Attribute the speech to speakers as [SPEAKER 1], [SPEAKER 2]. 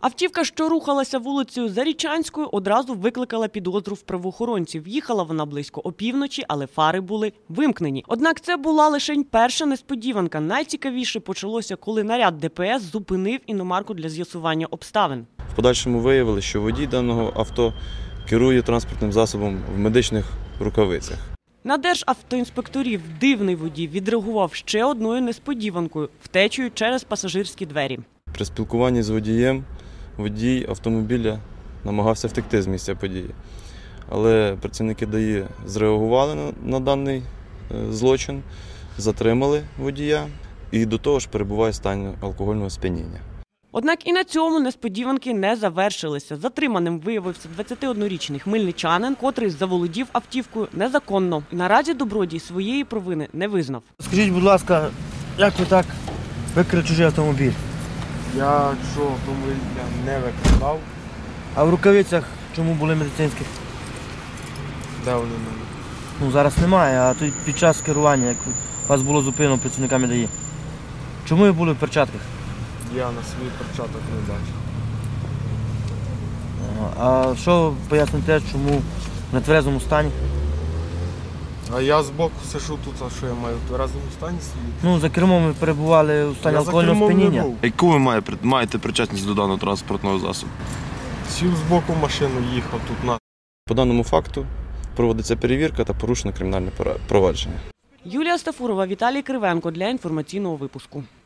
[SPEAKER 1] Автівка, що рухалася вулицею Зарічанською, одразу викликала підозру в правоохоронців. Їхала вона близько опівночі, але фари були вимкнені. Однак це була лише перша несподіванка. Найцікавіше почалося, коли наряд ДПС зупинив іномарку для з'ясування обставин.
[SPEAKER 2] В подальшому виявили, що водій даного авто керує транспортним засобом в медичних рукавицях.
[SPEAKER 1] На державтоінспекторів дивний водій відреагував ще одною несподіванкою – втечею через пасажирські двері. При
[SPEAKER 2] спілкуванні з водієм водій автомобіля намагався втекти з місця події. Але працівники ДАІ зреагували на даний злочин, затримали водія і до того ж перебуває в стані алкогольного сп'яніння.
[SPEAKER 1] Однак і на цьому несподіванки не завершилися. Затриманим виявився 21-річний хмельничанин, котрий заволодів автівкою незаконно. Наразі добродій своєї провини не визнав.
[SPEAKER 3] Скажіть, будь ласка, як ви так викрали чужий автомобіль?
[SPEAKER 4] Я що, автомобіль не викрадав.
[SPEAKER 3] А в рукавицях чому були медицинські?
[SPEAKER 4] Де вони в мене?
[SPEAKER 3] Ну, зараз немає, а тут під час керування, як вас було зупинено працівниками ДАІ. Чому ви були в перчатках?
[SPEAKER 4] Я на свій перчаток не бачив.
[SPEAKER 3] А що поясните, чому в нетверезому стані?
[SPEAKER 4] А я збоку сиджу тут, а що я маю в тверезому стані сидіти?
[SPEAKER 3] Ну, за кермом ви перебували у стані алкогольного сп'яніння.
[SPEAKER 5] Яку ви маєте причетність до даного транспортного засобу?
[SPEAKER 4] Сів збоку машину, їхав тут на.
[SPEAKER 2] По даному факту проводиться перевірка та порушено кримінальне провадження.
[SPEAKER 1] Юлія Стафурова, Віталій Кривенко для інформаційного випуску.